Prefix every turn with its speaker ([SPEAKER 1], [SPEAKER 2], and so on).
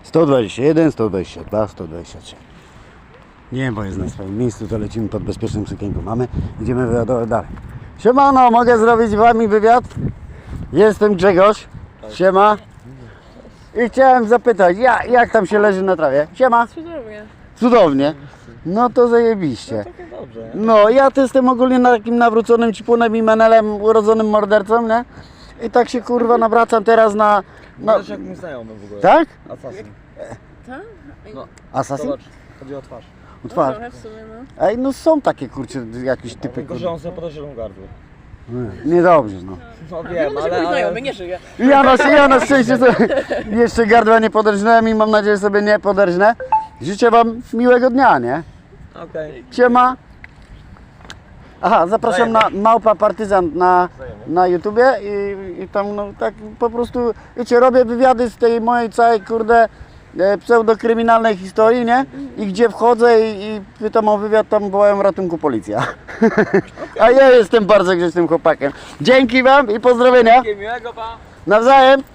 [SPEAKER 1] 121, 122, 123. Nie, bo jest na swoim miejscu, to lecimy pod bezpiecznym sukienką. Mamy, idziemy wywiadować dalej. Siemano, mogę zrobić z wami wywiad? Jestem Grzegorz. Siema. I chciałem zapytać, jak tam się leży na trawie? Siema.
[SPEAKER 2] Cudownie.
[SPEAKER 1] Cudownie. No to zajebiście.
[SPEAKER 3] Takie dobrze.
[SPEAKER 1] No, ja to jestem ogólnie takim nawróconym cipunem i menelem, urodzonym mordercą, nie? I tak się kurwa nawracam teraz na...
[SPEAKER 3] Wiesz jak mi znajomy w ogóle.
[SPEAKER 1] Tak?
[SPEAKER 3] Assassin.
[SPEAKER 2] Tak?
[SPEAKER 3] No,
[SPEAKER 1] Assassin?
[SPEAKER 3] zobacz, chodzi o twarz.
[SPEAKER 1] O twarz.
[SPEAKER 2] Trochę w sumie, no.
[SPEAKER 1] Ej, no są takie kurcze, jakieś typy
[SPEAKER 3] Tylko, że
[SPEAKER 1] kurwa.
[SPEAKER 3] on sobie podejrzewał gardło.
[SPEAKER 1] Niedobrze, no.
[SPEAKER 3] No wiem,
[SPEAKER 2] Wiem, że mój znajomy nie żyje.
[SPEAKER 1] Ja na szczęście sobie jeszcze gardła nie poderżnąłem i mam nadzieję, że sobie nie poderżnę. Życzę wam miłego dnia, nie?
[SPEAKER 3] Okej.
[SPEAKER 1] Siema. Aha, zapraszam na Małpa Partyzant na YouTubie i tam no tak po prostu, wiecie, robię wywiady z tej mojej całej kurde pseudokryminalnej historii, nie? I gdzie wchodzę i pytam o wywiad, tam wołają ratunku policja. A ja jestem bardzo grzecznym chłopakiem. Dzięki wam i pozdrowienia.
[SPEAKER 3] Miłego pa!
[SPEAKER 1] Nawzajem.